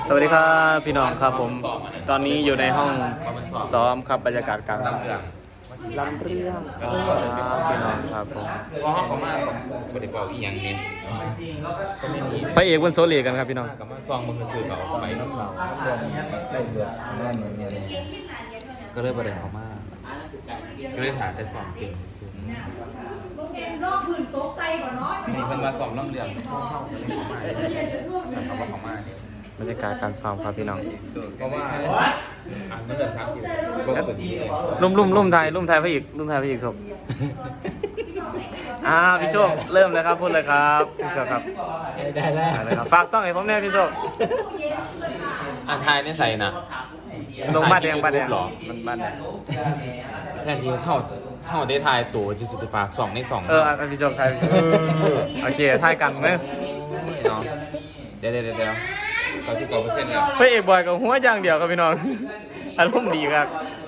สวัสดีครับพี่น้องครับผมตอนนี้อยู่ในห้องซ้อมครับบรรยากาศการลำเรื่องครับพี่น้องครับผมเพราะเขามาบริบอกอีกอย่างนี้ก็ไม่มีพระเอกบนโซเลีกันครับพี่น้องก็มาซองมือสื่อเราไปน้ำเราได้เสือแม่เนี่ยก็เลยบริเขามาก็เลยถ่ายแต่ซองเก่งรอบพื้นโต๊ะใจก่อนเนาะมีคนมาซองน้ำเรื่องเข้าก็เลยเขามาแต่เขาว่าเขามาเนี่ยบรรยากาศการซ้อมครับพี่น้องเพราะว่าน้ำเดือด30ปกติเลยลุ่มไทยพระเอกโชคพี่โชคเริ่มเลยครับพูดเลยครับพี่โชคครับได้แล้วครับฝากซ่องให้ผมแน่พี่โชคอ่านไทยนี่ใส่นะลงบ้านแดงหรอมัมันบ้านแดงแทนที่เท่าได้ทายตัวจิตติฝาก2ใน2 พี่โชคไทยโอเคทายกันไหมเนาะเดี๋ยว99%แล้วพระเอกบอยกับหัวอย่างเดียวครับพี่น้องอารมณ์ดีครับ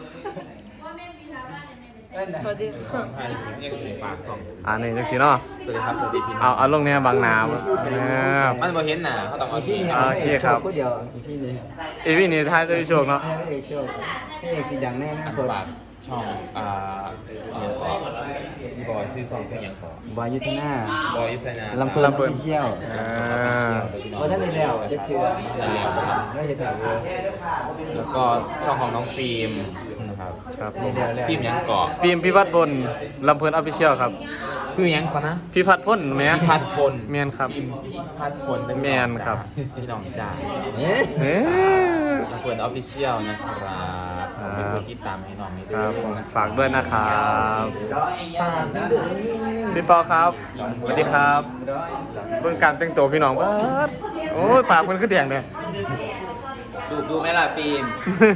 สวัสดีค่ะไทยเรียกสิฝาก2 นี่จังสิเนาะสวัสดีครับสวัสดีพี่น้องเอาลงเนี่ยบางนามันบ่เห็นหน้าเขาต้องเอาที่โอเคครับก็เดียวอีพี่นี้พี่นี่ทายด้วยพี่โชคเนาะให้เอกโชคให้เอกจริงดังแน่นะอันกดฝากช่องอย่างก่อนพี่บอยซื้อซองเครื่องอย่างก่อนบอยยุทธนาบอยยุทธนาลำเปิดเชี่ยวว่าท่านในแล้วจะคือไม่จะถ่ายแล้วก็ช่องของน้องฟิล์มนะครับครับในเดียวแล้วฟิล์มยังก่อนฟิล์มพิพัฒน์พลลำเพลินออฟฟิเชียลครับซื้อยังก่อนนะพิพัฒน์พลแม่พิพัฒน์พลแมนครับพิพัฒน์พลแมนครับพี่น้องจ่าเอ๊ะเอ๊ะน้องเฟิร์นออฟฟิเชียลนะครับเป็นผู้ติดตามให้น้องนี้คด้วรับยผมนะฝากด้วยนะครับฝากนะเด้อพี่ปอครับสวัสดีครับเบื้องการแต่งตัวพี่น้องเบิดโอ้ยปากมันขึ้นแดงเลยดูไหมล่ะฟิล์ม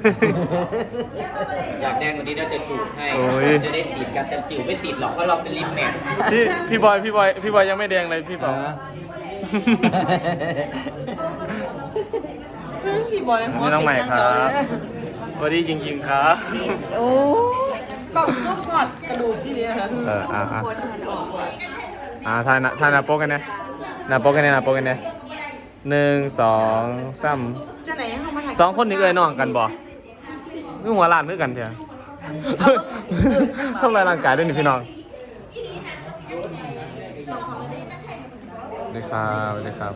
อยากแดงกว่านี้เราจะจูบให้โอ้ยจะได้ติดกันแต่จิ๋วไม่ติดหรอกเพราะเราเป็นลิปแมทพี่บอยยังไม่แดงเลยพี่ปอพี่บอยหัวนี่น้องใหม่เป็นคยังรัเก่าบเลยสวัสดีจริงๆครับโอ้กล่องซุปกอดกระดูกที่นี่ค่ะถ่ายหน้าโป๊กกันนะหน้าโป๊กกันเนี่ย1 2 3 จะไหนให้เขามาถ่าย 2คนนี้เอ้ยน้องกันบ่คือหัวล้านคือกันเถอะทำลายร่างกายด้วยนี่พี่น้องสวัสดีครับ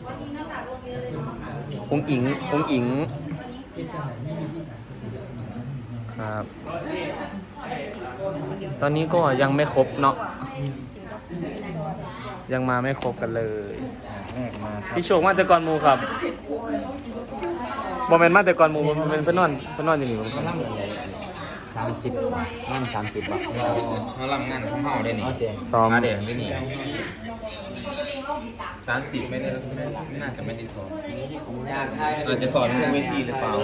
องอิงครับ ตอนนี้ก็ยังไม่ครบเนาะยังมาไม่ครบกันเลยแรกมาครับพี่โชคมาแต่ก่อนหมูครับบอมเมนมาแต่ก่อนหมูบอมเมนเพิ่นนอนอยู่นี่ผมก็นั่งเลย30นั่ง30บาทเขาลำงานของเขาได้นี่โอเคซ้อมมาเด็กได้นี่30ไม่ได้น่าจะไม่ได้สอนอยากถ่ายอาจจะสอนเรื่องเวทีหรือเปล่า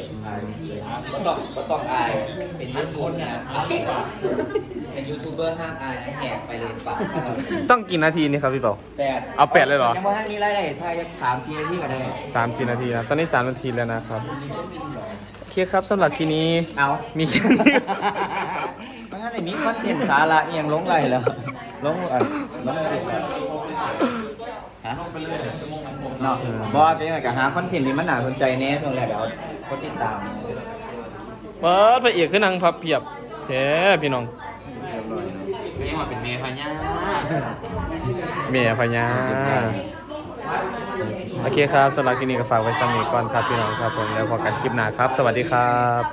ก็ต้องอายเป็นนักพจน์นะเป็นยูทูบเบอร์ห้ามอายแหกไปเลยปะต้องกี่นาทีนี่ครับพี่เปา 8 เอา8เลยเหรอยังว่าท่านนี้ไล่ได้ถ่าย3-4 นาทีก็ได้ 3-4 นาทีนะตอนนี้3 นาทีแล้วนะครับโอเคครับสำหรับทีนี้เอามีแค่นี้มันงั้นไอ้มีคอนเทนต์สาระเอียงลงไหลแล้วลงลงสิฮะเนาะบอกว่าเป็นยังไงกับหาคอนเทนต์ที่มันน่าสนใจแน่ช่วงแรกเดี๋ยวคนติดตามเปิดพระเอกขึ้นนั่งพับเพียบแท้พี่น้องไม่ยังว่าเป็นเมย์พญาเมียพญาโอเคครับสำหรับทีนี้ก็ฝากไว้สำหรับก่อนครับพี่น้องครับผมแล้วพอกันคลิปหน้าครับ สวัสดีครับ